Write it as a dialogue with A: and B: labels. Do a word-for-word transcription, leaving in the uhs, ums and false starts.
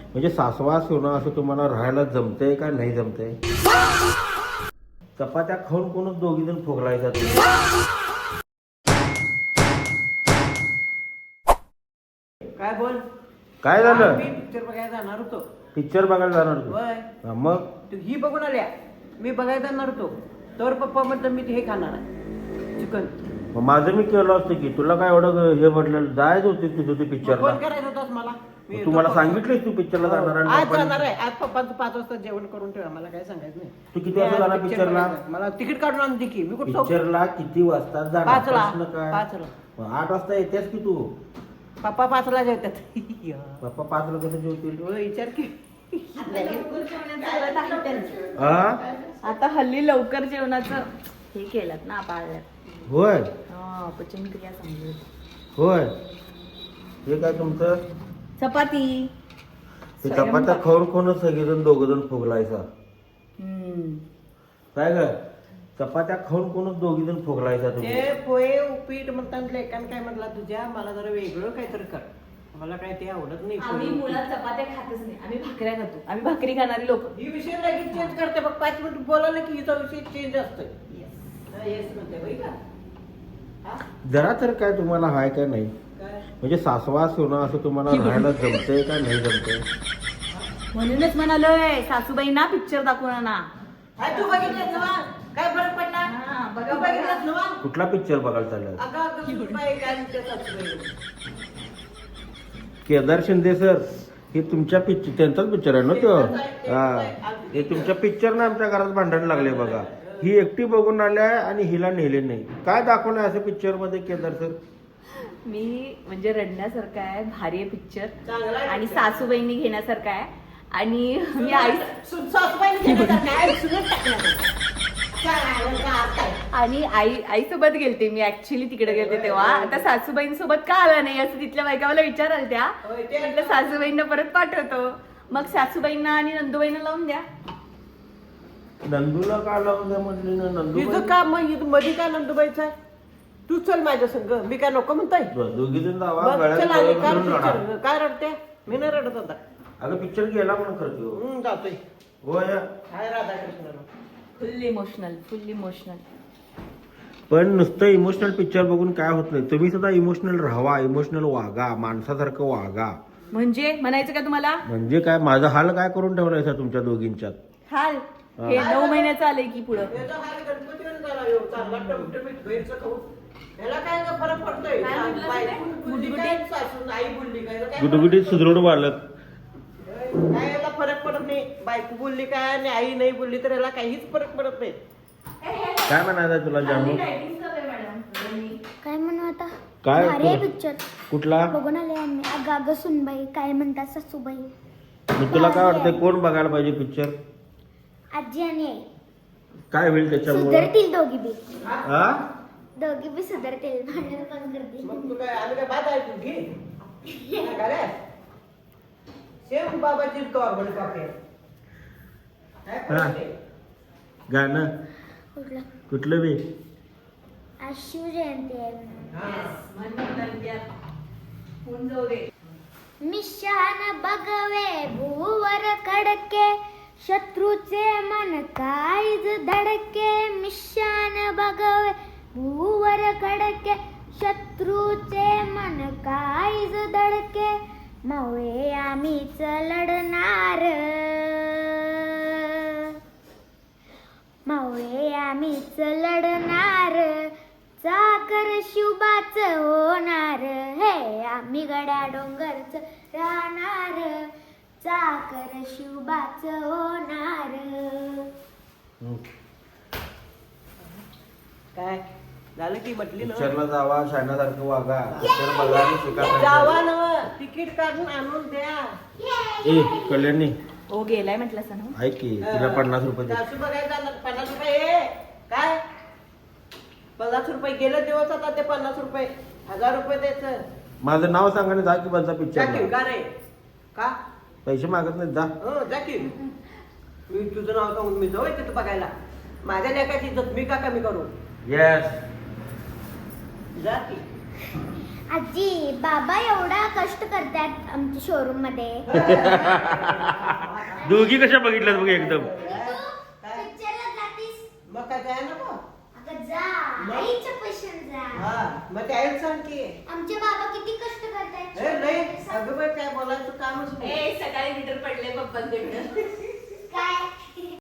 A: म्हणजे सासवा सोना असं तुम्हाला राहायला जमतंय का नाही जमतंय? चपात्या खाऊन कोणच दोघी जण फुगलायचा तुम्ही.
B: काय बोल
A: काय झालं?
B: मी पिक्चर बघायला जाणार होतो.
A: पिक्चर बघायला जाणार तू?
B: होय.
A: हा, मग
B: तू ही बघून आल्या मी बघायला जाणार होतो तर पप्पा म्हणतात मी हे खाणार आहे चिकन.
A: मग माझं मी केलं असतं की तुला काय एवढं हे म्हटलं जायच होती तुझं ते पिक्चरला.
B: फोन करायचा होतास मला. मी
A: तू मला
B: येतो.
A: सांगितलंस तू पिक्चरला
B: हो.
A: जाणार आणि
B: आज
A: आपण-
B: जाणार आहे. आज पप्पांचं पाच वाजता जेवण करून ठेवा. मला काय सांगायचं नाही.
A: तू किती वाजता
B: मी आज
A: जाणार
B: picture
A: पिक्चरला?
B: बघायला. मला तिकीट काढून आणते की मी कुठं
A: पिक्चरला किती वाजता जाणार?
B: पाचला.
A: प्रश्न काय?
B: पाचला.
A: मग आठ वाजता येतेस की तू?
B: पप्पा पाचला जेवतात.
A: पप्पा पाचला कसं जेवतील?
B: हो, विचार की
A: हा?
C: आता हल्ली लवकर जेवणाचं हे केलं ना पाळल्यात.
A: होय
C: हा पचनक्रिया चांगली होते.
A: होय हे काय तुमचं?
C: चपाती
A: ते चपात्या खाऊन खाऊनच सगळेजण दोघ जण फुगलायचा.
C: हम्म.
A: काय ग चपात्या खाऊन खाऊनच दोघी जण फुगलायचा तुम्ही.
B: ते पोहे उपीट म्हणतात लेकान काय म्हटला तुझ्या मला जरा वेगळं काहीतरी कर. मला काय ते आवडत नाही.
C: आम्ही
B: पोहे,
C: मुळात
B: उपीट.
C: चपात्या खातच नाही. आम्ही भाकऱ्या खातो. आम्ही भाकरी खाणारी लोक.
B: ही विषय लगेच चेंज करते बघ. पाच मिनिट बोलायला की हिचा विषय चेंज असतोय. येस म्हणते बाई का हा?
A: जरा तर काय तुम्हाला हाय का नाही?
B: काय
A: म्हणजे सासवा सोना असं तुम्हाला राहायला जमतंय का नाही जमतंय?
C: म्हणूनच म्हणालोय सासूबाईंना पिक्चर दाखवणार ना.
B: काय तू बघितलंस ना काय फरक पडला?
C: हा, बघा,
B: तू बघितलंस ना
A: कुठला पिक्चर बघायला चाललाय?
B: अगं अगं बाई काय म्हणते सासूबाई.
A: केदार शिंदे सर हे तुमच्या पिक्चर त्यांचाच पिक्चर आहे ना तो? हा हे तुमच्या पिक्चरनं आमच्या घरात भांडण लागले बघा. ही एकटी बघून आल्या आणि हिला नेले नाही. काय दाखवलं असं पिक्चर मध्ये केदार सर?
C: मी म्हणजे रडण्यासारखा आहे. भारी आहे पिक्चर
B: चांगला आहे
C: आणि
B: picture.
C: सासूबाईंनी घेण्यासारखा आहे. आणि मी आई
B: सु- सासूबाईने केलं तर काय सुनत टाकणार. काय आहे, काय अर्थ आहे?
C: आणि आई आईसोबत गेलते मी ऍक्च्युली तिकडे गेलते तेव्हा. आता सासूबाईंसोबत का आला नाही असं तिथल्या बायका मला विचाराल त्या.
B: होय, ते
C: म्हटलं सासूबाईंना परत पाठवतो. मग सासूबाईंना आणि नंदूबाईंना लावून द्या.
A: नंदूला का लावून द्या म्हटली ना?
B: हिचं
A: नंदू
B: काम मग इथं मध्ये काय नंदुबाईचं आहे? तू चल माझ्या संग. मी काय नको म्हणताय
A: दोघी जण जावा
B: बघ,
A: गळ्यात
B: चल आली.
A: गळा
B: काय
A: घालून रडा.
B: picture? काय रडते मी नाही रडत आता.
A: अगं पिक्चर गेला म्हणून करतो.
B: हम्म, जातोय
A: होय
B: काय Radhakrishna.
C: Full emotional full emotional.
A: पण नुसतं इमोशनल पिक्चर बघून काय होत नाही. तुम्ही सुद्धा इमोशनल राहावा, इमोशनल वागा, माणसासारखं वागा.
C: म्हणजे म्हणायचं का तुम्हाला?
A: म्हणजे काय माझा हाल काय करून ठेवलायचा तुमच्या दोघींच्यात?
C: हाल हे नऊ महिन्याचं आलंय की पुढं.
B: याचा हाल गणपतीवर झाला ह्यो. चांगला टमटमीत बाहेरचं खाऊन. ह्याला काय ग फरक पडतोय?
C: काय म्हटलं
B: बायको
C: तुम्ही?
B: बोलली काय, सासून आई बोलली काय, याला काय
A: गुटगुटीत सुदृढ बालक.
B: काय याला फरक पडत नाही. बायको बोलली काय आणि आई नाही बोलली तर याला काहीच फरक पडत नाही.
A: काय म्हणायचं तुला जानू?
D: काय म्हणू आता
A: काय
D: भारी आहे
A: कर-
D: पिक्चर
A: कुठला?
D: बघून आले आम्ही. अगं अगं सुनबाई काय म्हणतात सासूबाई.
A: मग तुला काय वाटतंय कोण बघायला पाहिजे पिक्चर?
D: आजी आणि आई
A: काय होईल त्याच्यामुळे?
D: सुधरतील दोघी बी.
A: हा?
D: दोघी बी सुधरतील. भांडण पण करतील.
B: मग तू काय आम्ही काय बाद आहे तू घे काय करे? सेम बाबाची तो आपण पापे काय फरक आहे?
A: गाणं
D: कुठलं?
A: कुठलं बी?
D: आज शिवजयंती आहे. मिशान बघवे भूवर खडके शत्रूचे मन काळीज धडके. मिशान बघवे भूवर खडके शत्रूचे मन काळीज धडके. मवे आम्हीच लढणार मवे आम्हीच लढणार. चाकर शिवबाच होणार हे आम्ही गड्या डोंगरच राहणार. चाकर शिवबाच होणार.
B: काय झालं की म्हटली ना
A: पिक्चरला जावा, शाण्यासारखं वागा. पिक्चर बघा आणि शिका.
B: जावा ना तिकीट काढून आणून द्या.
A: ए कल्याणी
C: ओ गेलाय म्हटलं असं ना.
A: ऐक की तिला पन्नास रुपये दे.
B: सासू बघायला जाणार पन्नास रुपये ए, काय पन्नास रुपये गेले दिवस आता ते पन्नास रुपये हजार रुपये द्यायचं.
A: माझं नाव सांगा आणि जा की बंचा
B: जा की
A: पिक्चर.
B: का रे का
A: पैसे मागत नाहीत जा.
B: हो जा की. मी तुझं नाव सांगून मी जाऊ तिथं बघायला. माझ्या लेकाची इज्जत मी का कमी करू?
A: येस.
B: जा की.
D: आजी बाबा एवढा कष्ट करतात आमच्या शोरूम मध्ये.
A: दोघी कशा बघितल्यात बघ एकदम.
D: पिक्चरला जातीस
B: मग काय जाय नको.
D: अगं जा आईच्या पैशाने जा.
B: हा मग त्याला सांग की
D: आमचे बाबा किती कष्ट करतात.
B: ए नाही अगं बाई काय बोलायचं कामच नाही.
C: ए सकाळी मीटर पडले पप्पांकडनं.
D: काय